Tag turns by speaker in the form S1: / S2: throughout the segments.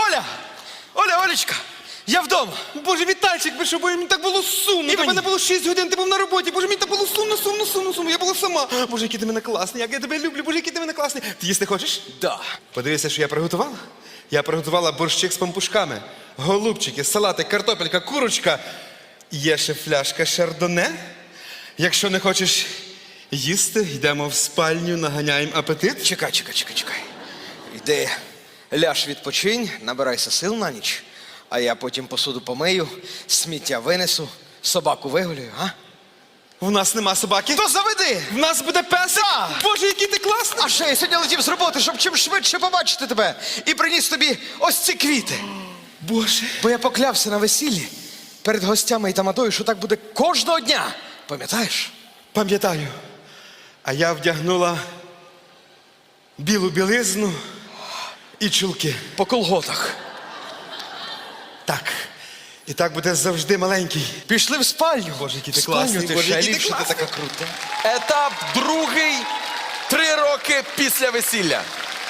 S1: Оля! Оля, Олечка! Я вдома!
S2: Боже, Вітальчик, ви що, бо мені так було сумно.
S1: І
S2: Тебе
S1: мені.
S2: не було 6 годин, ти був на роботі. Боже, мені так було сумно. Я була сама. Боже, який ти мене класний, як я тебе люблю. Боже, який ти мене класний. Ти їсти хочеш?
S1: Да.
S2: Подивися, що я приготувала. Я приготувала борщик з пампушками, голубчики, салатик, картопелька, курочка. Є ще фляжка шардоне. Якщо не хочеш їсти, йдемо в спальню, наганяємо апетит.
S1: Чекай. Йди, ляж відпочинь, набирайся сил на ніч, а я потім посуду помию, сміття винесу, собаку вигулюю, а?
S2: В нас нема собаки.
S1: То заведи!
S2: В нас буде песик.
S1: Да.
S2: Боже, який ти класний.
S1: А ще я сьогодні летів з роботи, щоб чим швидше побачити тебе. І приніс тобі ось ці квіти.
S2: Боже.
S1: Бо я поклявся на весіллі перед гостями і тамадою, що так буде кожного дня. Пам'ятаєш?
S2: Пам'ятаю. А я вдягнула білу білизну і чулки.
S1: По колготах.
S2: Так. І так буде завжди маленький.
S1: Пішли в спальню.
S2: Боже, який ти
S1: В спальню
S2: класний.
S1: ти
S2: Боже,
S1: ще
S2: який ти
S1: ліпше, ти
S2: класний.
S1: така крута.
S3: Етап другий. 3 роки після весілля.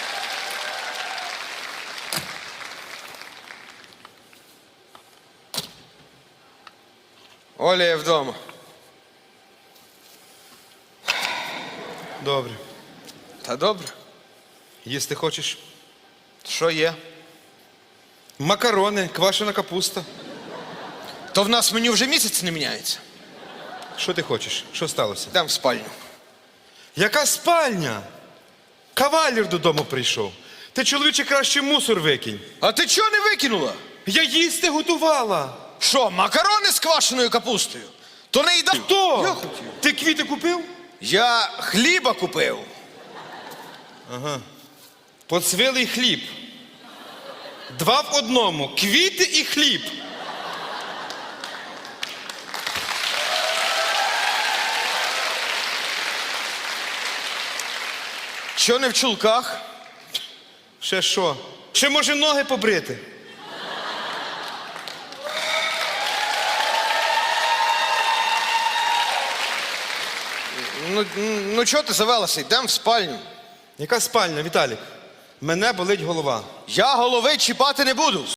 S1: Оля, я вдома.
S2: Добре.
S1: Та добре.
S2: Їсти хочеш?
S1: Що є?
S2: Макарони, квашена капуста.
S1: То в нас меню вже місяць не міняється.
S2: Що ти хочеш? Що сталося?
S1: Йдемо в спальню.
S2: Яка спальня? Кавалір додому прийшов. Ти, чоловіче, краще мусор викинь.
S1: А ти чого не викинула?
S2: Я їсти готувала.
S1: Що, макарони з квашеною капустою? То не їда.
S2: Хто?
S1: Я хотів.
S2: Ти квіти купив?
S1: Я хліба купив.
S2: Поцвілий хліб. 2 в 1. Квіти і хліб.
S1: Що не в чулках?
S2: Ще що? Ще може ноги побрити?
S1: Ну чого ти завелася? Йдемо в спальню.
S2: Яка спальня, Віталік? Мене болить голова.
S1: Я голови чіпати не буду.